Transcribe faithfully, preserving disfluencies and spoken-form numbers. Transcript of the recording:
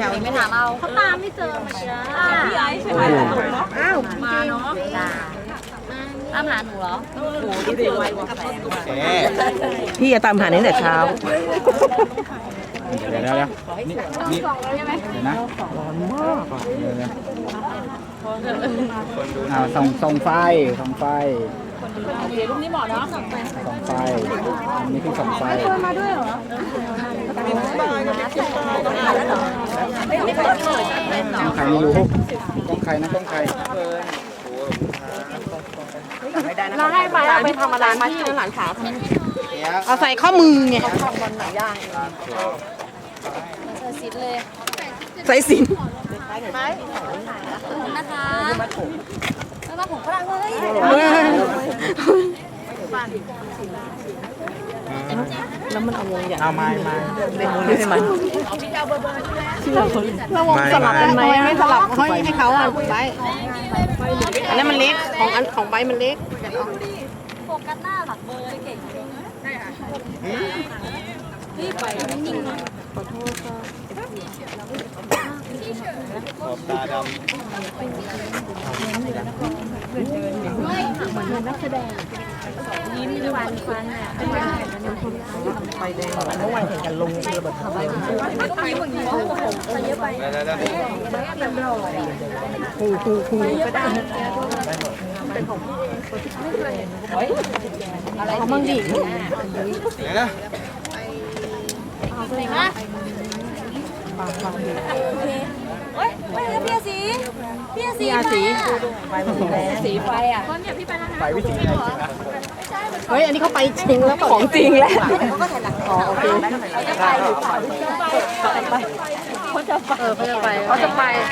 วไม่ถามเอาเขาตามไม่เจอเมื่อกี้พี่ไอ้ใช่ไหมอ้าวมาเนาะตามหาหนูเหรอโอ้ดูดิไวกว่าแสงพี่จะตามหาตั้งแต่เช้าเดี๋ยวเดี๋ยวนี่นี่เดี๋ยวนะร้อนมากเดี๋ยวนะอ่าส่องส่องไฟส่องไฟรูปนี้เหมาะเนาะส่องไฟอันนี้คือส่องไฟมาด้วยเหรอต้องใครไม่รู้ต้องใครนะต้องใครเราให้ไปเอาไปทำอะไรมาที่หลานสาวเอาใส่ข้อมือไงใส่สินนะคะแล้วมาผมก็ได้แล้วมันเอาวงใหญ่เอาไม้ไม้เป็นวงนี้ให้มันเราวงสลับกันไหมไม่สลับให้ให้เขาอ่ะใบอันนั้นมันเล็กของอันของใบมันเล็กโฟกัสหน้าหลักเบอร์เก่งใช่ค่ะรีบไปไม่นิ่งนะขอโทษค่ะขอบตาดำเหมือนนักแสดงยิ้มฟันฟันอ่ะไฟแดงเมื่อวานเห็นกันลงระเบิดเข้าไปต้องยิ้มอย่างนี้ผมเยอะไปแบบรอคู่คู่คู่ก็ได้เป็นของพี่เองอะไรเขามั่งดิเดี๋ยวนะไหนมาโอ๊ยไปแล้วพี่สีพี่สีสีสีไฟอ่ะไฟวิถีไหนนะเฮ้ยอันนี้เขาไปจริงแล้วของจริงแล้วอ๋อโอเคเขาจะไปเขาจะไปเขาจะไปเขาจะไป